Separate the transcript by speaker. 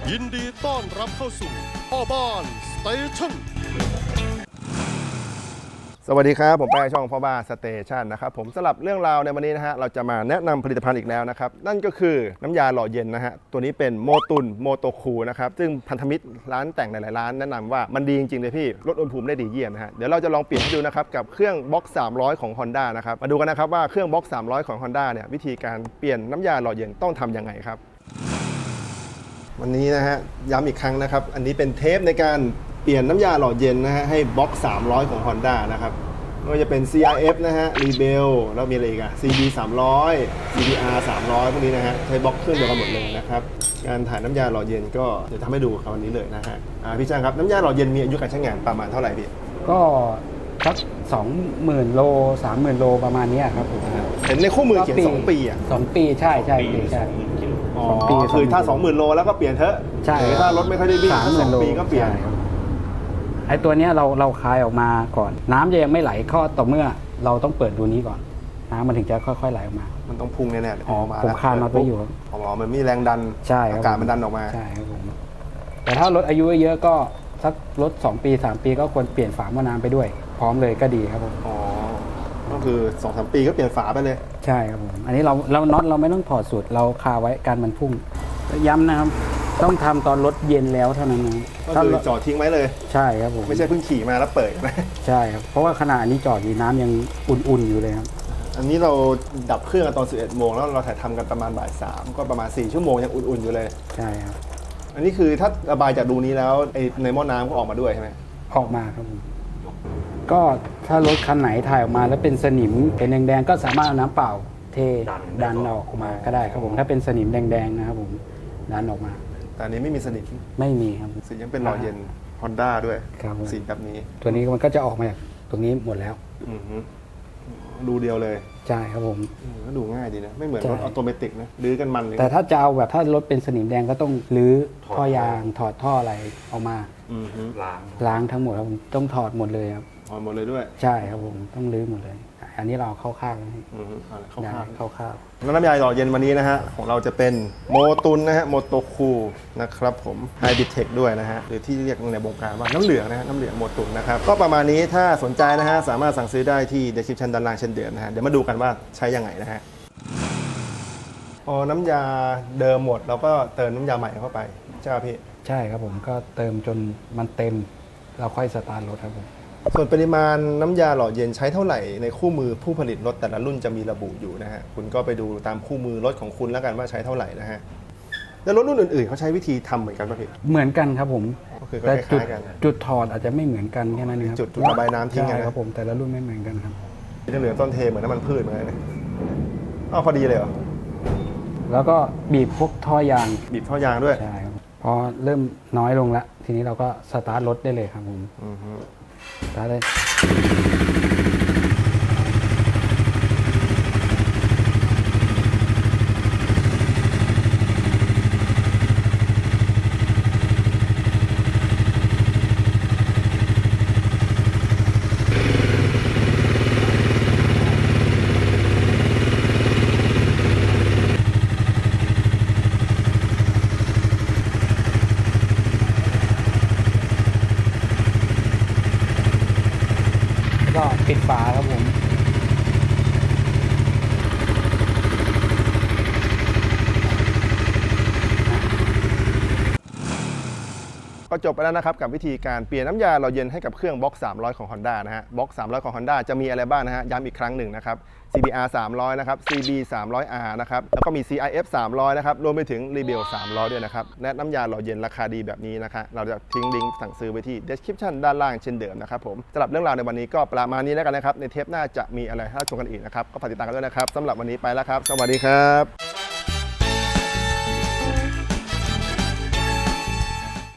Speaker 1: ยินดีต้อนรับเข้าสู่พ่อบ้านสเตชันสวัสดีครับผมแป้งช่องพ่อบ้านสเตชันนะครับผมสำหรับเรื่องราวในวันนี้นะฮะเราจะมาแนะนำผลิตภัณฑ์อีกแล้วนะครับนั่นก็คือน้ำยาหล่อเย็นนะฮะตัวนี้เป็นโมตุนโมโตคูนะครับซึ่งพันธมิตรร้านแต่งหลายๆร้านแนะนำว่ามันดีจริงๆเลยพี่ลดอุณหภูมิได้ดีเยี่ยมนะฮะเดี๋ยวเราจะลองเปลี่ยนให้ดูนะครับกับเครื่องบล็อก300ของ Honda นะครับมาดูกันนะครับว่าเครื่องบล็อก300ของ Honda เนี่ยวิธีการเปลี่ยนน้ำยาหล่อเย็นต้องทำยังไงครับวันนี้นะฮะย้ำอีกครั้งนะครับอันนี้เป็นเทปในการเปลี่ยนน้ำยาหล่อเย็นนะฮะให้บล็อก300ของ Honda นะครับไม่ว่าจะเป็น CRF นะฮะ Rebel แล้วมีอะไรอีกอะ CB 300 CBR 300พวกนี้นะฮะใช้บล็อกเครื่องเดียวกันหมดเลยนะครับการถ่ายน้ำยาหล่อเย็นก็เดี๋ยวทำให้ดูครับวันนี้เลยนะฮะพี่จ้างครับน้ำยาหล่อเย็นมีอายุการใช้งานประมาณเท่าไหร่พี่
Speaker 2: ก็สัก20,000 โล 30,000 โลประมาณนี้ครับผม
Speaker 1: เห็นในคู่มือเขียน2 ปีอ่ะ
Speaker 2: 2 ปีใช่
Speaker 1: 2 ปีคือถ้า 20,000 โลแล้วก็เปลี่ยนเถอะ
Speaker 2: ใช่
Speaker 1: ถ้ารถไม่ค่อยได้วิ่ง2 ปีก็เปลี่ยน
Speaker 2: ไอ้ตัวเนี้ยเราคลายออกมาก่อนน้ำจะยังไม่ไหลเข้าต่อเมื่อเราต้องเปิดดูนี้ก่อนน้ำมันถึงจะค่อยๆไหลออกมา
Speaker 1: มันต้องพุ่งแน่ๆ
Speaker 2: ผมคานน็อตไว้อยู่
Speaker 1: มันมีแรงดัน
Speaker 2: ใช่
Speaker 1: อากาศมันดันออกมา
Speaker 2: ใช่ครับผมแต่ถ้ารถอายุเยอะก็สักรถ2 ปี 3 ปีก็ควรเปลี่ยนฝาหม้อน้ำไปด้วยพร้อมเลยก็ดีครับผม
Speaker 1: ก็คือ 2-3 ปีก็เปลี่ยนฝาไปเลย
Speaker 2: ใช่ครับผมอันนี้เราน็อตเราไม่ต้องถอดสูตรเราคาไว้การมันพุ่งย้ำนะครับต้องทำตอนรถเย็นแล้วเท่านั้น
Speaker 1: ก็คือจอดทิ้งไว้เลย
Speaker 2: ใช่ครับผม
Speaker 1: ไม่ใช่เพิ่งขี่มาแล้วเปิดนะ
Speaker 2: ใช่ครับเพราะว่าขณะนี้จอดอยู่น้ำยังอุ่นๆอยู่เลยครับ
Speaker 1: อันนี้เราดับเครื่องตอน 11 โมงแล้วเราถ่ายทำกันประมาณบ่าย 3ก็ประมาณ4 ชั่วโมงยังอุ่นๆอยู่เลย
Speaker 2: ใช่ครับ
Speaker 1: อันนี้คือถ้าระบายจากดูนี้แล้วในหม้อน้ำก็ออกมาด้วยใช่ไหม
Speaker 2: ออกมาครับผมก็ถ้ารถคันไหนถ่ายออกมาแล้วเป็นสนิมเป็นแดงๆก็สามารถเอาน้ำเปล่าเทดันออกมาก็ได้ครับผมถ้าเป็นสนิมแดงๆนะครับผมดันออกมา
Speaker 1: แต่อันนี้ไม่มีสนิม
Speaker 2: ไม่มีครับ
Speaker 1: สียังเป็นหล่อเย็น Honda ด้วยสีแบบนี้
Speaker 2: ตัวนี้มันก็จะออกมาจากตรงนี้หมดแล้ว
Speaker 1: ดูเดียวเลย
Speaker 2: ใช่ครับผม
Speaker 1: ก็ดูง่ายดีนะไม่เหมือนรถออโตเมติกนะลื้อกันมันเลย
Speaker 2: แต่ถ้าจะเอาแบบถ้ารถเป็นสนิมแดงก็ต้องรื้อท่อยางถอดท่ออะไรออกมาล้างทั้งหมดครับผมต้องถอดหมดเลยครับ
Speaker 1: ถอดหมดเลยด้วย
Speaker 2: ใช่ครับผมต้องรื้อหมดเลยอันนี้เราเข้าข้างเข้าข้าง
Speaker 1: น้ำยาหล่อเย็นวันนี้นะฮะของเราจะเป็นโมตุนนะฮะโมโตคูนะครับผมไฮบิเทคด้วยนะฮะหรือที่เรียกในวงการว่าน้ำเหลืองนะฮะน้ำเหลืองโมตุนนะครับก็ประมาณนี้ถ้าสนใจนะฮะสามารถสั่งซื้อได้ที่ description ด้านล่างเช่นเดิมนะฮะเดี๋ยวมาดูกันว่าใช้ยังไงนะฮะพอน้ำยาเดิมหมดเราก็เติมน้ำยาใหม่เข้าไปใช่ไหมพี่
Speaker 2: ใช่ครับผมก็เติมจนมันเต็มเราค่อยสตาร์ทรถครับผม
Speaker 1: ส่วนปริมาณน้ำยาหล่อเย็นใช้เท่าไหร่ในคู่มือผู้ผลิตรถแต่ละรุ่นจะมีระบุอยู่นะฮะคุณก็ไปดูตามคู่มือรถของคุณแล้วกันว่าใช้เท่าไหร่นะฮะแล้วรถรุ่นอื่นๆเขาใช้วิธีทำเหมือนกันป่ะพี่
Speaker 2: เหมือนกันครับผม
Speaker 1: แต่
Speaker 2: จุดถอดอาจจะไม่เหมือนกันแค่นั้นเองครับ
Speaker 1: จุดระบายน้ำทิ้งกัน
Speaker 2: ครับผมแต่ละรุ่นไม่เหมือนกันครับ
Speaker 1: จะเหลือต้นเทเหมือนน้ำมันพืชเหมือนกันพอดีเลยเหรอ
Speaker 2: แล้วก็บีบพวกท่อยาง
Speaker 1: บีบท่อยางด้วย
Speaker 2: ใช่ครับพอเริ่มน้อยลงแล้วทีนี้เราก็สตาร์ทรถได้เลยครับผมสตาร์ทเลยก็ปิดฝาครับผม
Speaker 1: ก็จบไปแล้วนะครับกับวิธีการเปลี่ยนน้ำยาหล่อเย็นให้กับเครื่องบล็อก300ของ Honda นะฮะบล็อก300ของ Honda จะมีอะไรบ้างนะฮะย้ำอีกครั้งหนึ่งนะครับ CBR 300นะครับ CB 300R นะครับแล้วก็มี CRF 300นะครับรวมไปถึง Rebel 300ด้วยนะครับและน้ำยาหล่อเย็นราคาดีแบบนี้นะคะเราจะทิ้งลิงก์สั่งซื้อไว้ที่ description ด้านล่างเช่นเดิมนะครับผมสำหรับเรื่องราวในวันนี้ก็ประมาณนี้แล้วกันนะครับในเทปหน้าจะมีอะไรให้ชมกันอีกนะครับก็ฝากติดตามกันด้วยนะครับสำหรับวันนี้ไปแล้วครับสวัสดีครับ